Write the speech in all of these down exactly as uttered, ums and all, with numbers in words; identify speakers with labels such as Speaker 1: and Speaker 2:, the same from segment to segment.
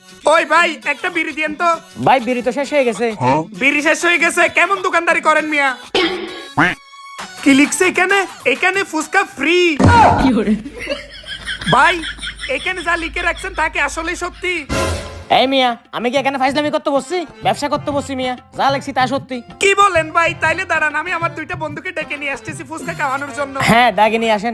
Speaker 1: ওই ভাই একটা বিড়ি দিয়েন তো।
Speaker 2: ভাই বিড়ি তো শেষ হয়ে গেছে।
Speaker 1: বিড়ি শেষ হয়ে গেছে? কেমন দোকানদারি করেন মিয়া? কি লিখছে এখানে? এখানে ফুসকা ফ্রি। ভাই এখানে যা লিখে রাখছেন তাকে আসলে সত্যি?
Speaker 2: এই মিয়া, আমি কি এখানে ফাইজলামি করতে বসছি? ব্যবসা করতে বসছি মিয়া, যা লেখছি তা সত্যি।
Speaker 1: কি বলেন ভাই? তাইলে দাঁড়ান, আমি আমার দুইটা বন্ধুকে ডেকে নিয়ে আসতেছি ফুসকা খাওয়ানোর জন্য।
Speaker 2: হ্যাঁ, ডাকে নিয়ে আসেন।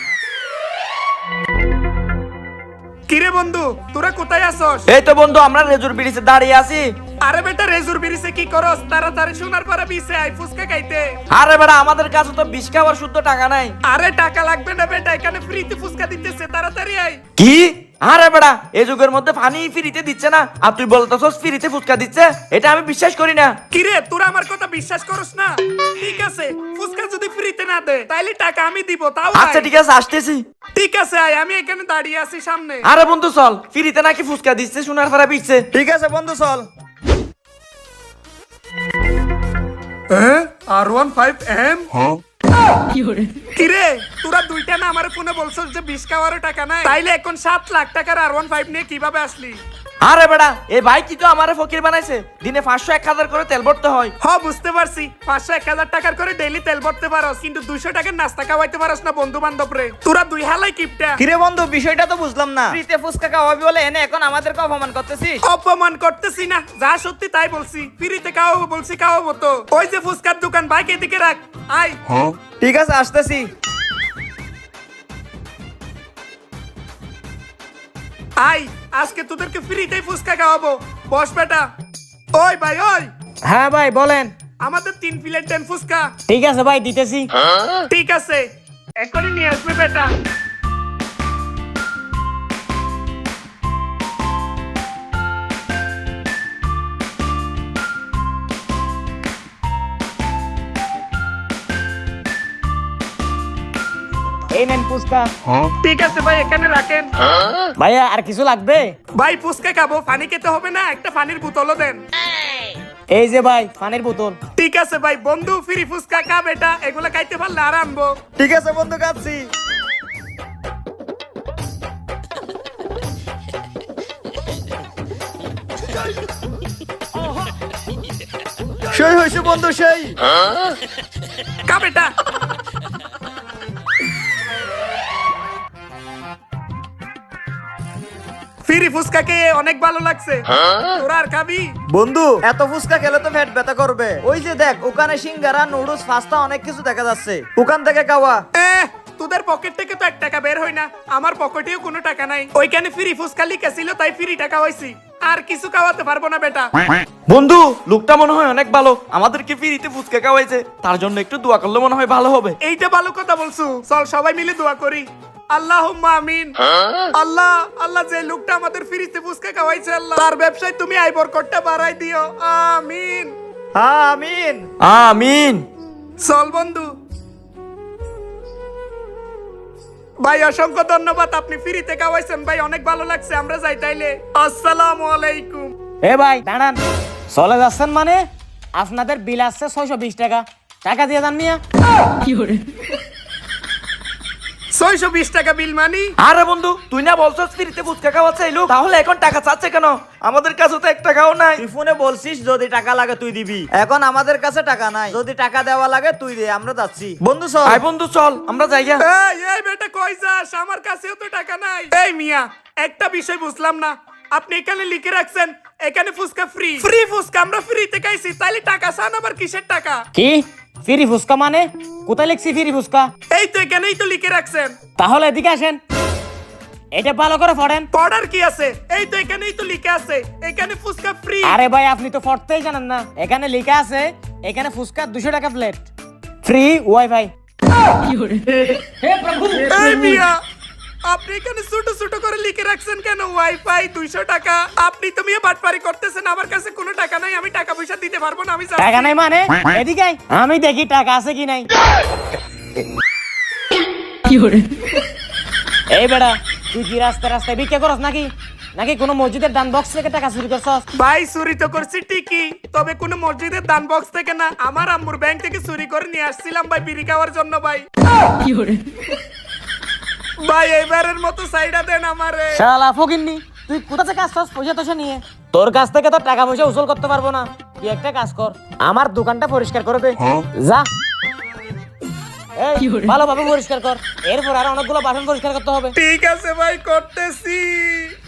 Speaker 1: কিরে বন্ধু, তোরা কোথায় আসস?
Speaker 3: এই তো বন্ধু, আমরা রেজুর ব্রিজে দাঁড়িয়ে আছি।
Speaker 1: আরে বেটা, রেজুর বিরিছে কি করস? তাড়াতাড়ি শোনার পরে বিছে আই ফুসকা খাইতে।
Speaker 3: আরে বেটা, আমাদের কাছে তো বিশ খাবার শুদ্ধ টাকা নাই।
Speaker 1: আরে টাকা লাগবে না বেটা, এখানে ফ্রিতে ফুসকা দিতেছে, তাড়াতাড়ি আই।
Speaker 3: কি? আরে বেটা, এই যুগের মধ্যে পানি ফ্রিতে দিচ্ছে না, আর তুই বলতেছস ফ্রিতে ফুচকা দিচ্ছে? এটা আমি বিশ্বাস করি না।
Speaker 1: কিরে, তোরা আমার কথা বিশ্বাস করস না? ঠিক আছে, ফুসকা যদি ফ্রিতে না দে তাইলে টাকা আমি দিব, তাও
Speaker 3: আচ্ছা
Speaker 1: আয়।
Speaker 3: ঠিক আছে, আসতেছি।
Speaker 1: ঠিক আছে আয়, আমি এখানে দাঁড়িয়ে আছি সামনে।
Speaker 3: আরে বন্ধু চল, ফ্রিতে নাকি ফুচকা দিচ্ছে, শোনার পরে পিচ্ছে।
Speaker 4: ঠিক আছে বন্ধু চল।
Speaker 1: আর ওয়ান ফাইভ এম কিরে, তোরা দুইটা না আমার ফোনে বলছস যে বিশ খাওয়ারও টাকা নাই, তাইলে এখন সাত লাখ টাকার আর ওয়ান ফাইভ নিয়ে কিভাবে আসলি?
Speaker 3: আরে বেটা, এই ভাই কি তো আমারে ফকির বানাইছে? দিনে পাঁচশো এক হাজার করে তেল ভরতে হয়।
Speaker 1: হ, বুঝতে পারছি, পাঁচশো এক হাজার টাকার করে ডেইলি তেল ভরতে পারস, কিন্তু দুইশো টাকার নাস্তা খাওয়াইতে পারস না বন্ধু বান্ধব রে। তোরা দুই হালাই কিপটা।
Speaker 4: কিরে বন্ধু, বিষয়টা তো বুঝলাম না।
Speaker 3: ফ্রিতে ফুচকা খাওয়াবি বলে এনে এখন আমাদেরকে অপমান করতেছিস?
Speaker 1: অপমান করতেছি না, যা সত্যি তাই বলছি। ফ্রিতে খাওয়াবো বলছি, খাওয়াবো তো। ওই যে ফুচকার দোকান, বাইক এদিকে রাখ, আয়।
Speaker 4: ঠিক আছে আসতেছি।
Speaker 1: আয়, আজকে তোদেরকে ফ্রিতেই ফুচকা খাওয়াবো। বস বেটা। ওই ভাই, ওই
Speaker 2: হ্যাঁ ভাই বলেন।
Speaker 1: আমাদের তিন প্লেট দেন ফুচকা।
Speaker 2: ঠিক আছে ভাই, দিতেছি।
Speaker 1: ঠিক আছে, এখনই নিয়ে আসবে বেটা।
Speaker 2: এই নেন ফুচকা।
Speaker 1: ঠিক আছে ভাই, এখানে রাখেন।
Speaker 2: ভাইয়া আর কিছু লাগবে?
Speaker 1: ভাই ফুচকা খাবো, পানি খেতে হবে না? একটা পানির বোতলও দেন।
Speaker 2: এই যে ভাই পানির বোতল।
Speaker 1: ঠিক আছে ভাই, বন্ধু ফ্রি ফুচকা খা বেটা, এগুলা খাইতে পারলে আর আনবো।
Speaker 4: ঠিক আছে বন্ধু, খাচ্ছি। সেই হয়েছে বন্ধু, সেই।
Speaker 1: খা বেটা। ফ্রি ফুচকা খেয়ে অনেক ভালো লাগছে। তোরা আর খাবি?
Speaker 4: বন্ধু, এত ফুচকা খেলে তো পেট ব্যথা করবে। ওই যে দেখ, ওখানে সিঙ্গারা, নুডলস, পাস্তা অনেক কিছু দেখা যাচ্ছে, ওখান থেকে খাওয়া।
Speaker 1: এহ, তোদের পকেট থেকে তো এক টাকা বের হয় না, আমার পকেটেও কোনো টাকা নাই। ওইখানে ফ্রি ফুচকা লিখা ছিল তাই ফ্রি টাকা হইছি, আর কিছু খাওয়াতে পারবো না বেটা।
Speaker 3: বন্ধু, লোকটা মনে হয় অনেক ভালো, আমাদেরকে ফ্রিতে ফুচকা খাওয়াইছে, তার জন্য একটু দোয়া করলে মনে হয় ভালো হবে।
Speaker 1: এইটা ভালো কথা বলছো, চল সবাই মিলে দোয়া করি। আল্লাহুম্মা আমিন। আল্লাহ, আল্লাহ যে লোকটা আমাদের ফ্রিতে ফুচকা খাওয়াইছে, আল্লাহ তার ব্যবসায় তুমি আয় বরকতটা বাড়াই দিও, আমিন।
Speaker 4: হ্যাঁ আমিন।
Speaker 3: আমিন।
Speaker 1: চল বন্ধু। ভাই অসংখ্য ধন্যবাদ, আপনি ফ্রিতে খাওয়াইছেন ভাই, অনেক ভালো লাগছে। আমরা যাই তাইলে, আসসালামু আলাইকুম।
Speaker 2: এ ভাই দাঁড়ান, চলে যাচ্ছেন মানে? আপনাদের বিল আসছে ছয়শো বিশ টাকা, টাকা দিয়ে যান মিয়া।
Speaker 1: ছয়শো বিশ টাকা বিল মানি?
Speaker 3: আরে বন্ধু, তুই না বলছস ফ্রিতে ফুচকা খাওয়াচ্ছে এই লোক, তাহলে এখন টাকা চাচ্ছে কেন? আমাদের কাছে তো এক টাকাও নাই।
Speaker 4: তুই ফোনে বলছিস যদি টাকা লাগে তুই দিবি, এখন আমাদের কাছে টাকা নাই, যদি টাকা দেওয়া লাগে তুই দে, আমরা যাচ্ছি। বন্ধু চল।
Speaker 3: আয় বন্ধু চল, আমরা যাই গা।
Speaker 1: এই এই বেটা, কই যাস? আমার কাছেও তো টাকা নাই। এই মিয়া, একটা বিষয় বুঝলাম না, আপনি এখানে লিখে রাখছেন এখানে ফুচকা ফ্রি। ফ্রি ফুচকা আমরা ফ্রিতে খাইছি, তাইলে টাকা চান আবার কিসের টাকা?
Speaker 2: কি ফ্রি ফুচকা মানে? কোথায় লিখছি ফ্রি ফুচকা?
Speaker 1: এই তো এখানেই তো লিখে রাখছেন।
Speaker 2: তাহলে এদিকে আসেন, এটা ভালো করে পড়েন।
Speaker 1: পড়ার কি আছে? এই তো এখানেই তো লিখে আছে এখানে ফুচকা ফ্রি।
Speaker 2: আরে ভাই আপনি তো পড়তেই জানেন না, এখানে লেখা আছে এখানে ফুচকা দুশো টাকা প্লেট, ফ্রি ওয়াইফাই।
Speaker 1: এই মিয়া, আপনি এখানে ছোট ছোট করে লিখে রাখছেন কেন ওয়াইফাই দুইশো টাকা? আপনি তো মিয়া বাটপারি করতেছেন, আমার কাছে কোনো টাকা নাই, আমি টাকা পয়সা দিতে পারবো না, আমি যাচ্ছি।
Speaker 2: টাকা নাই মানে? এদিকে আয়, আমি দেখি টাকা আছে কি নাই। এই বেটা, তুই কি রাস্তায় রাস্তায় ভিক্ষা করস নাকি? নাকি কোনো মসজিদের দান বক্স থেকে টাকা চুরি করছস?
Speaker 1: ভাই চুরি তো করছি ঠিকই, তবে কোনো মসজিদের দান বক্স থেকে না, আমার আম্মুর ব্যাংক থেকে চুরি করে নিয়ে আসছিলাম ভাই বিড়ি খাওয়ার জন্য। ভাই ভাই এইবারের মতো সাইডা দেন আমারে।
Speaker 2: শালা ফকিন্নি, তুই কোথা থেকে আসছস পয়সা তোষা নিয়ে? তোর কাছ থেকে তো টাকা পয়সা উসুল করতে পারবো না। তুই একটা কাজ কর, আমার দোকানটা পরিষ্কার করে দে। যা, এই ভালোভাবে পরিষ্কার কর, এরপর আর অনেকগুলো বাসন পরিষ্কার করতে হবে।
Speaker 1: ঠিক আছে ভাই, করতেছি।